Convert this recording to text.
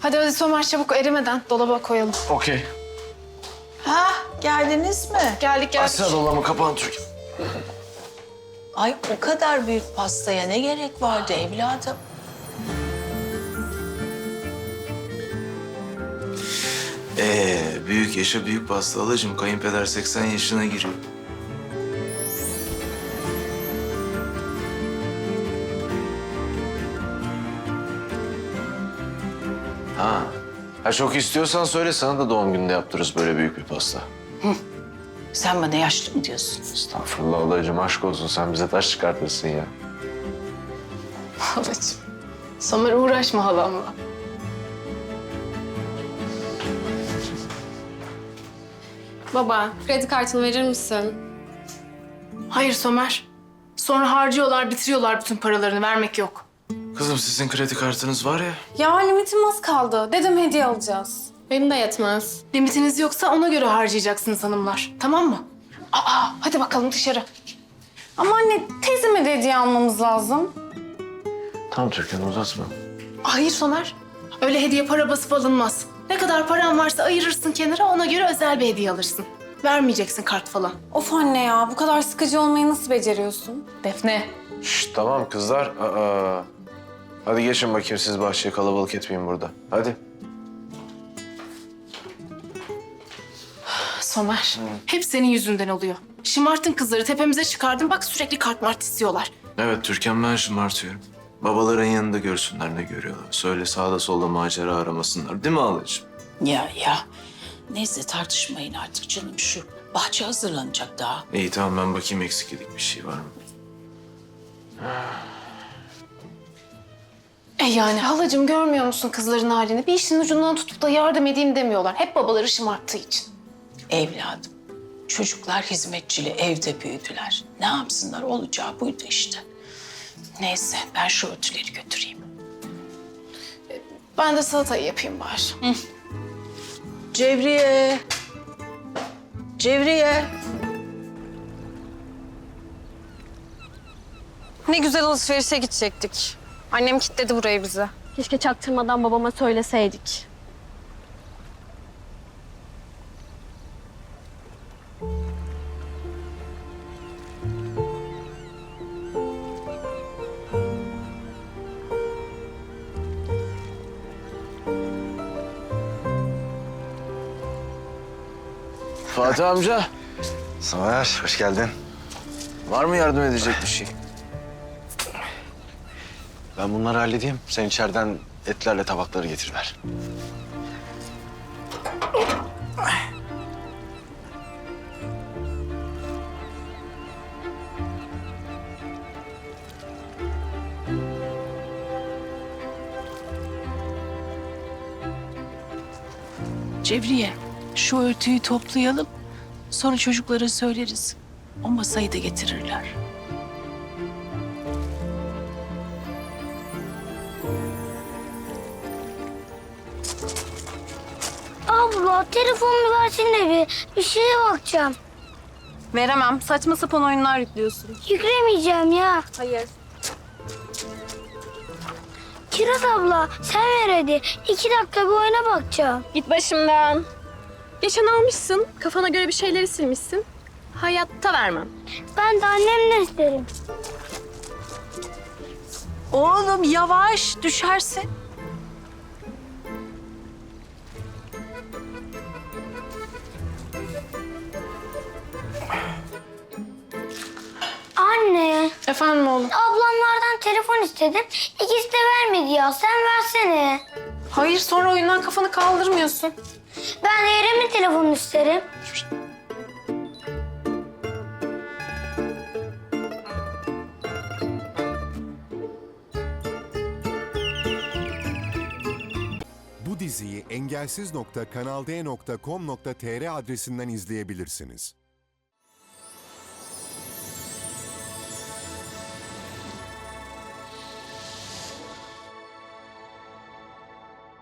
Hadi hadi Somer çabuk erimeden dolaba koyalım. Okey. Ha, geldiniz mi? Geldik. Açsana dolabı kapağını Türkan. Ay o kadar büyük pastaya ne gerek vardı evladım? Büyük yaşa büyük pasta alacığım. Kayınpeder 80 yaşına giriyor. Ha çok istiyorsan söyle, sana da doğum gününde yaptırırız böyle büyük bir pasta. Sen bana yaşlı mı diyorsun? Estağfurullah ablacığım, aşk olsun, sen bize taş çıkartırsın ya. Halacığım. Somer uğraşma halamla. Baba, kredi kartını verir misin? Hayır Somer. Sonra harcıyorlar, bitiriyorlar bütün paralarını. Vermek yok. Kızım sizin kredi kartınız var ya. Ya limitim az kaldı. Dedim hediye alacağız. Benim de yetmez. Limitiniz yoksa ona göre harcayacaksınız hanımlar. Tamam mı? Hadi bakalım dışarı. Ama anne, teyzeme de hediye almamız lazım. Tamam Türkan, uzatma. Hayır Somer. Öyle hediye para basıp alınmaz. Ne kadar paran varsa ayırırsın kenara, ona göre özel bir hediye alırsın. Vermeyeceksin kart falan. Of anne ya, bu kadar sıkıcı olmayı nasıl beceriyorsun? Defne. Şşt tamam kızlar. Hadi geçin bakayım, siz bahçeye kalabalık etmeyin burada. Hadi. Somer, hep senin yüzünden oluyor. Şımartın kızları, tepemize çıkardın. Bak sürekli kart mart istiyorlar. Evet Türkan, ben şımartıyorum. Babaların yanında görsünler ne görüyorlar. Söyle sağda solda macera aramasınlar. Değil mi halacığım? Ya. Neyse tartışmayın artık canım, şu bahçe hazırlanacak daha. İyi tamam, ben bakayım eksik edik bir şey var mı? Yani halacığım görmüyor musun kızların halini? Bir işin ucundan tutup da yardım edeyim demiyorlar. Hep babaları şımarttığı için. Evladım, çocuklar hizmetçili evde büyüdüler. Ne yapsınlar, olacağı buydu işte. Neyse ben şu örtüleri götüreyim. Ben de salatayı yapayım bari. Cevriye. Cevriye. Ne güzel alışverişe gidecektik. Annem kilitledi burayı bize. Keşke çaktırmadan babama söyleseydik. Fatih amca, Somer, hoş geldin. var mı yardım edecek bir şey? Ben bunları halledeyim. Sen içeriden etlerle tabakları getiriver. Cevriye, şu örtüyü toplayalım. Sonra çocuklara söyleriz. O masayı da getirirler. Abla telefonumu versene bir şeye bakacağım. Veremem. Saçma sapan oyunlar yüklüyorsun. Yüklemeyeceğim ya. Hayır. Kiraz abla sen ver hadi. 2 dakika bir oyuna bakacağım. Git başımdan. Geçen almışsın, kafana göre bir şeyleri silmişsin. Hayatta vermem. Ben de annemden isterim. Oğlum yavaş, düşersin. Anne, Efendim oğlum? ablamlardan telefon istedim. İkisi de vermedi ya. Sen versene. Hayır, sonra oyundan kafanı kaldırmıyorsun. Ben de Erem'in telefonunu isterim. Bu diziyi engelsiz.kanalde.com.tr adresinden izleyebilirsiniz.